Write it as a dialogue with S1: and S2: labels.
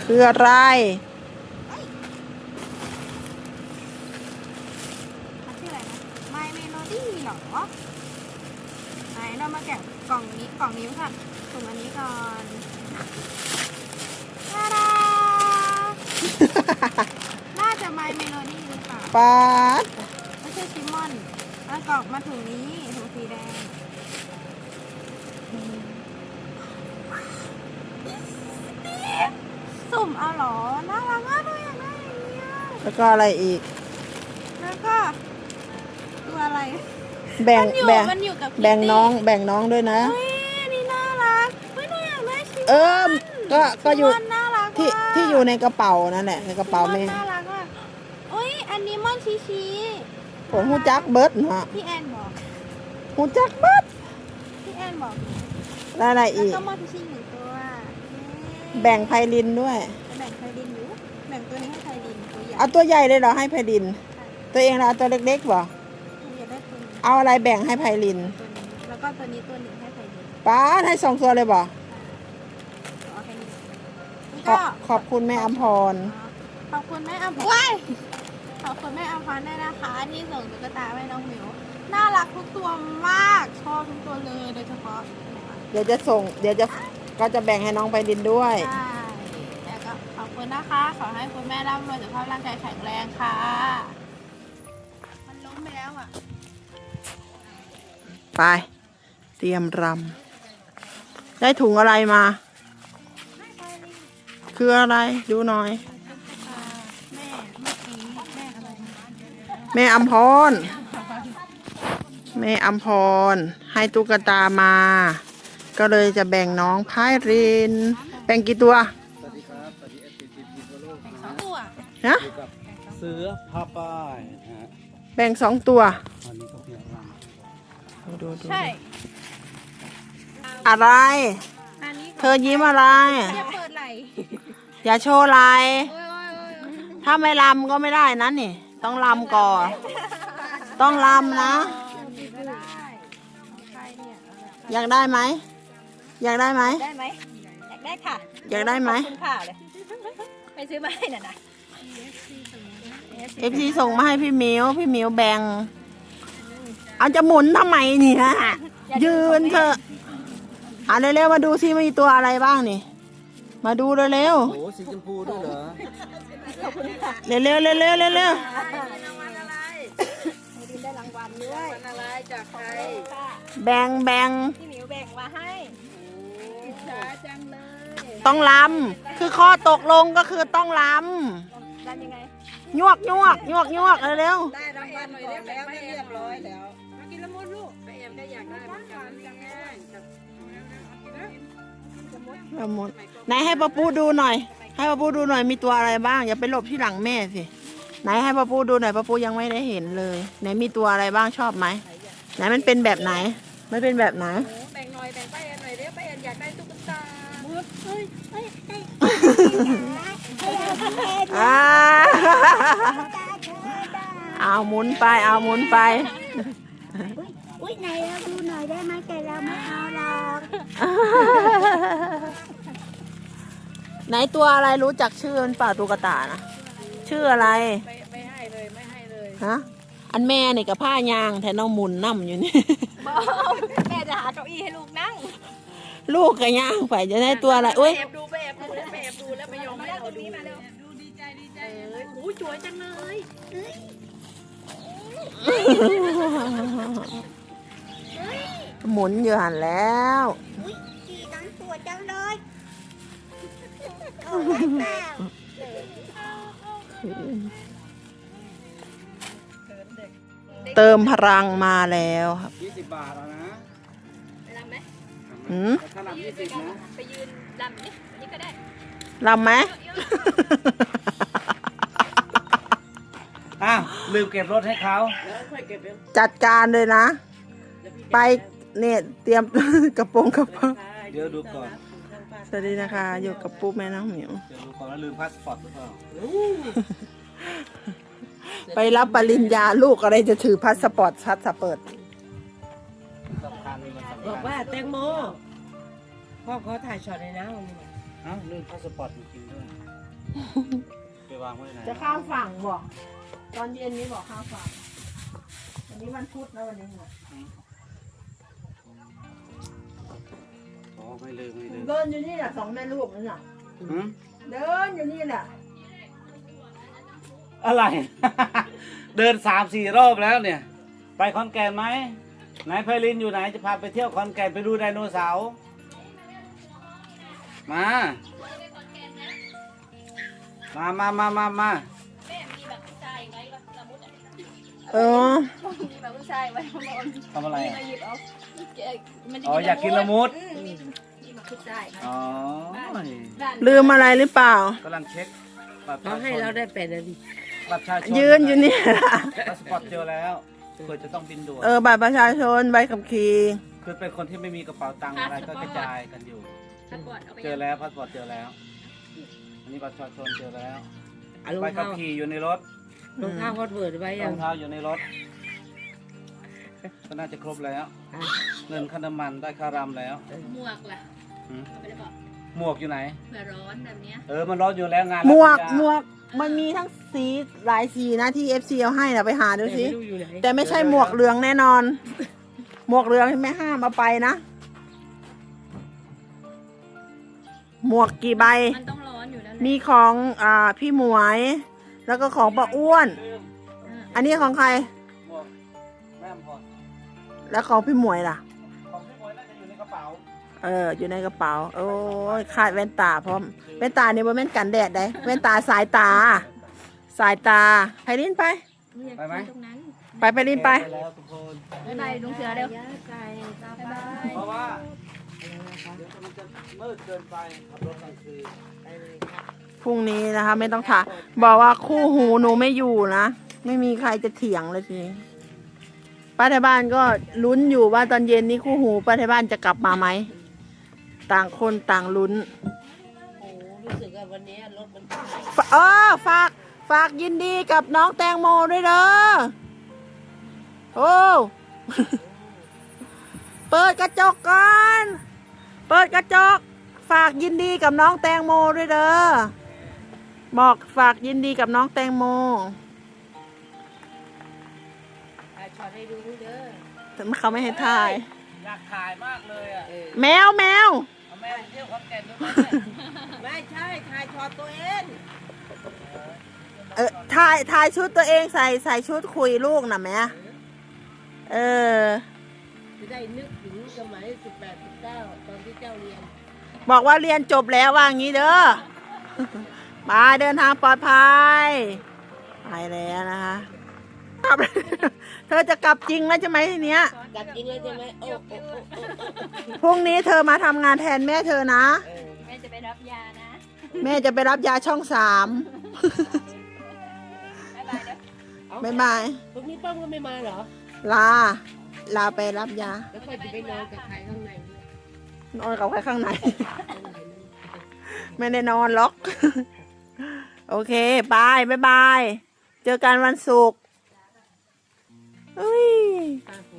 S1: คืออะไร
S2: มันชื่ออะไรนะ My Melody เหรอไหนเรามาแกะกล่องนี้ค่ะสุ่มอันนี้ก่อนตาดา น่าจะ My Melody หรือเปล่า
S1: ป๊าด
S2: ไม่ใช่ชิมมอนแล้วกล่องมาถุงนี้ถุงสีแดงสุ่มเอาเหรอ น่ารักมากเลยอยากได้อย่างเงี้ย
S1: แล้วก็อะไรอีก
S2: แล้วก็ตัวอะไร
S1: แบ่ง
S2: มันอยู่กับ
S1: แบ่งน้องด้วยนะ
S2: เฮ้ยอันนี้น่ารักเฮ้ยหนูอยากได้ชิม
S1: เออก็อยู่
S2: ชิมมอนน่ารัก
S1: ที่อยู่ในกระเป๋านั่นแหละในกระเป๋าแม่
S2: น่ารักมากเฮ้ยอันนี้มอนชี
S1: ผมฮู้จักเบิร์ดฮะ
S2: พี่แอนบอก
S1: ฮู้จักเบิร์ด
S2: พี่แอนบอก
S1: แล้วอะไร
S2: แล้ว
S1: อีก
S2: ก็มอนชีหนึ่งตัว
S1: แบ่งไพลินด้วย
S2: แบ่งไพลินอยู่แบ่งตัวนี้ให้ไพลินตัวใหญ่
S1: เอาตัวใหญ่เลยเหรอให้ไพลิน ตัวเองเราเอาตัวเล็กๆบ่
S2: อยากได้ตัวนี้
S1: เอาอะไรแบ่งให้ไพลิน
S2: ตัวนี้แล้วก็ตัวนี้ตัวหนึ่งให้ไพลิน
S1: ป้าดให้2 ตัวเลยบ่
S2: เอาแค่นี้นี่
S1: ข
S2: ก็
S1: ขอบคุณแม่อำพร
S2: ขอบคุณแม่อภรขอบคุณแม่อภรด้วยนะคะที่ส่งตุ๊กตาให้น้องหมิวน่ารักทุกตัวมากชอบทุกตัวเลยโดยเฉพาะ
S1: เดี๋ยวก็จะแบ่งให้น้องไพลินด้วย
S2: ใช่แล้วก็ขอบคุณนะคะขอให้คุณแม่ร่ำรวยสุขภาพร่างกายแข็งแรงค่ะมันล้มไปแล้วอ่ะ
S1: ไปเตรียมรำได้ถุงอะไรมา คืออะไรดูหน่อย
S2: แม่เมื่อกี้แม่อะไร
S1: แม่อำพร แม่อำพร ให้ตุ๊กตามา ก็เลยจะแบ่งน้องพายริน แบ่งกี่ตัว
S3: สวัสดีครับสวัสดีเอฟซีทีมทั่วโลก
S2: แบ่ง
S3: นะ
S2: สอง
S3: ฮะ
S2: ตัว
S1: ฮะ
S3: อยู่กับเสือพาป้ายนะฮะ
S1: แบ่ง2 ตัว
S3: วันนี้ก็เพียงรัง
S1: ดู
S2: ใช่
S1: อะไร
S2: อันนี้
S1: เธอยิ้มอะไร
S2: จะเปิดไหล
S1: อย่าโชว์ลาย
S2: โอ้ย
S1: ถ้าไม่ลำก็ไม่ได้นะนี่ ต้องลำก่อน ต้องลำนะ
S2: ไม่ได้ใครเนี่ย
S1: อยากได้ไหม อยากได้ไหม
S2: ได้ไหมอยากได้ค่ะ
S1: อยากได้ไหม
S2: ขอบคุณค่ะเลยไปซื้อมาให้น่ะนะ
S1: FC ส่งมาให้พี่หมิวแบ่ง เอาจะหมุนทำไมนี่ฮะ ยืนเถอะอ่ะเร็วๆมาดูซิมีตัวอะไรบ้างนี่ มาดูเร็ว
S3: โอ้สีชมพูด้วยเหรอ
S1: ๆเร็วๆเร็วๆเร็วๆเร็ว
S2: รางวัลอะไรให้ดินได้รางวัลด้วยอะไรจากใคร
S1: ๆแบ่ง
S2: พี่หมิวแบ่งมาให้อิจฉาจังเลย
S1: ต้องลำคือข้อตกลงก็คือต้องล
S2: ได้ยังไง
S1: ำยวกเร็ว
S2: ได้รางวัลหน่อยแล้วไม่เรียบร้อยแล้วมากินละมุนลูกไปเอ็มได้อยากได้เหมือนกันจังแม่
S1: ๆละมุนไหนให้ป้าปูดูหน่อย ให้ป้าปูดูหน่อยมีตัวอะไรบ้าง อย่าไปหลบที่หลังแม่สิ ไหนให้ป้าปูดูหน่อยป้าปูยังไม่ได้เห็นเลย ไหนมีตัวอะไรบ้างชอบไหม ไหนมันเป็นแบบไหน มันเป็นแบบไหน
S2: แบ่งหน่อยแบ่งป้าเอ็นหน่อยเด้อป้าเอ็นอยากได้ตุ๊กตาเฮ้ยเฮ้ย
S1: อ่าเอาหมุนไป
S4: อุ้ยไหนเราดูหน่อยได้ไหมแต่เราไม่เอาหรอก
S1: ไหนตัวอะไรรู้จักชื่อมันเปล่าตุ๊กตานะชื่ออะไร
S2: ไม่ให้เลย
S1: ฮะอันแม่นี่กับผ้ายางแทนน้องหมุนน้ำอยู่นี่
S2: บอกแม่จะหาเก้าอี้ให้ลูกนั่ง
S1: ลูกกับย่างไปจะได้ตัวอะไรอุ้ย
S2: ไปแอบดูแล้วไม่ยอมให้เราดูมาเร็วดูดีใจโอ้ยสวยจังเลย
S1: หมุนอยู่หันแล้ว
S4: อุ้ยขี่ทั้งตัวจังเลยโอ้ยแม่
S1: เติมพลังมาแล้วครับ
S3: 20 บาทแล้วนะ
S2: รำไหม
S1: หืม
S3: ถ้ารับ20นะ
S2: ไปยืนรำนี่อันนี้ก็ได้
S1: ลำไหม
S3: อ้าวลืมเก็บรถให้เขา
S1: จัดการเลยนะ ไปเนี่ยเตรียม กระโปรงกระเป๋า
S3: เดี๋ยวดูก่อน
S1: สวัสดีนะคะ อยู่กับปุ๊บแม่น้องหมิว
S3: เดี๋ยวดูก่อนว่าลืมพาสปอร์ตหรือเปล่า
S1: ไปรับปริญญาลูกอะไรจะถือพาสปอร์ตชัดสเปิด
S3: สำคัญมันสำคัญ
S5: บอกว่าแตงโมพ่อขอถ่ายช็อตเลยนะวันนี้
S3: เอ้าลืมพาสปอร์ตจริงๆด้วยไปวางไว้ไหน
S1: จะข้ามฝั่งบอกตอนเย็นนี้บอกข้ามฝั่งวันนี้วันพุธแล้ววันนี้เนี่ย
S3: อ๋อไม่ลืม
S1: เดินอยู่นี่แหละ2 แม่ลูกนั่นน่ะ
S3: หืม
S1: เดินอยู่นี่แหละ
S3: อะไร เดิน3-4 รอบแล้วเนี่ย ไปขอนแก่นไหมไหนไพลินอยู่ไหนจะพาไปเที่ยวขอนแก่นไปดูไดโนเสาร์มามา
S1: เออ
S2: มีแบบผู้ชายไว้ข้างบน
S3: ทำอะไร
S2: มี
S3: อ่ะ
S2: มาหยิบเอามันจะ
S3: อ๋ออยากกินละมุด
S2: มีแบบผู้ชาย
S3: อ๋อ
S1: ลืมอะไรหรือเปล่า
S3: กำลังเช็คบัตรประ
S5: เขา
S3: ชาช
S5: ให้เรา
S3: น
S5: ได้8 นาที
S3: บัตรประชาชน
S1: ยืนอยู่นี่
S3: พาสปอร์ตเจอแล้วเผื่อจะต้องบินด่วน
S1: บัตรประชาชนใบขับขี่
S3: คือเป็นคนที่ไม่มีกระเป๋าตังค์อะไรก็กระจายกันอยู่
S2: พาสปอร์ตเอาไป
S3: เจอแล้วพาสปอร์ตเจอแล้ว อันนี้บัตรประชาชนเจอแล้ว
S5: เอารอ
S3: ใบ
S5: ง
S3: ขับ
S5: เท้า
S3: ขี่อยู่ในรถ
S5: รองเท้าฮอตเวิร์ดไว้
S3: ร
S5: ยั
S3: อง งเท้าอยู่ในรถ ก็น่าจะครบแล้ว
S5: อ่ะ
S3: เงินค่าน้ำมันได้ค่ารำแล้ว
S2: หมวกล่ะ
S3: หืม
S2: เอาไปได้บอก
S3: หมวกอยู่ไหน
S2: เผื่อร้อนแบบเนี้ย
S3: มันร้อนอยู่แล้วงาน
S1: หมวก
S3: รับปริญญา
S1: หมวกมันมีทั้งสีหลายสีนะที่ FC เอาให้นะไปหาดูสิ
S5: ไม่รู้อยู่ไหน
S1: แต่ไม่ใช่หมวกเหลืองแน่นอน หมวกเหลืองที่ไม่ห้ามเอาไปนะ หมวกกี่ใบ
S2: มันต้องร้อนอยู่แล้วแหละ
S1: มีของพี่หมวย แล้วก็ของป้าอ้วน
S3: ลืม
S1: อันนี้ของใคร
S3: หมวกแม่มพอ
S1: แล้วของพี่หมวยล่ะ
S3: ของพี่บอยน่าจะอยู่ในกระเป๋า
S1: อยู่ในกระเป๋า โอ้ยขาดแว่นตาพร้อมแว่นตาเนี่ยบ่แม่นกันแดดได้แว่นตาสายตา สายตาไพลินไป
S3: ไปไหม
S2: ตรงนั้น
S1: ไปไพลินไป
S3: แล้วทุกคน
S2: บ๊ายบายลุงเสือเร็ว
S5: ไก่ตา
S2: บ๊าย
S5: บ้า
S2: บาย
S3: เพราะว่าเดี๋ยวมันจะมืดเกินไปขับรถกลางคืน
S5: ไปเลยครับ
S1: พรุ่งนี้นะคะ ไม่ต้องถามบอกว่าคู่หูหนูไม่อยู่นะ ไม่มีใครจะเถียงเลยทีนี้ป้าที่บ้านก็ลุ้นอยู่ว่าตอนเย็นนี้คู่หูป้าที่บ้านจะกลับมาไหม ต่างคนต่างลุ้น
S5: โอ้รู้สึกว่าวันนี้รถมันติด
S1: ฝากยินดีกับน้องแตงโมด้วยเด้อโอ้ เปิดกระจกก่อน เปิดกระจก ฝากยินดีกับน้องแตงโมด้วยเด้อ บอกฝากยินดีกับน้องแตงโม
S5: ถ่ายช็อตให้ดูเด้อ
S1: แต่เขาไม่ให้ถ่าย
S3: อยากถ่ายมากเลยอ่ะ
S1: แมว
S3: เอาแม่ไปเที่ยวขอนแก่นด้วยไหมเนี่ย
S5: ไม่ใช่ถ่ายช็อตตัวเอง
S1: ถ่ายชุดตัวเองใส่ชุดคุยลูกนะแม่เออ
S5: จะได้นึกถึงสมัย18 19ตอนที่เจ้าเรียน
S1: บอกว่าเรียนจบแล้วว่างี้เด้อ มาเดินทางปลอดภัย ไปแล้วนะคะกลับ เธอจะกลับจริงแล้วใช่ไหมทีเนี้ย
S5: กลับจริงแล้วใช่ไหมโอ้โอ้โอ้โอ้
S1: พรุ่งนี้เธอมาทำงานแทนแม่เธอนะ
S5: เออ
S2: แม่จะไปรับยานะ
S1: แม่จะไปรับยาช่อง 3
S2: บ๊ายบายเด้อ
S1: บ๊ายบาย
S5: พรุ่งนี้ป้อมก็ไม่มาเหรอ
S1: ลาไปรับยา
S5: แล้วค่อยจะไปนอนกับใครข้างในด้วย
S1: นอนกับใครข้างใน
S5: ข้างในนั่น
S1: ไม่ได้นอนล็อก โอเคบาย บ๊ายบาย เจอกันวันศุกร์อุ้ย
S5: ไป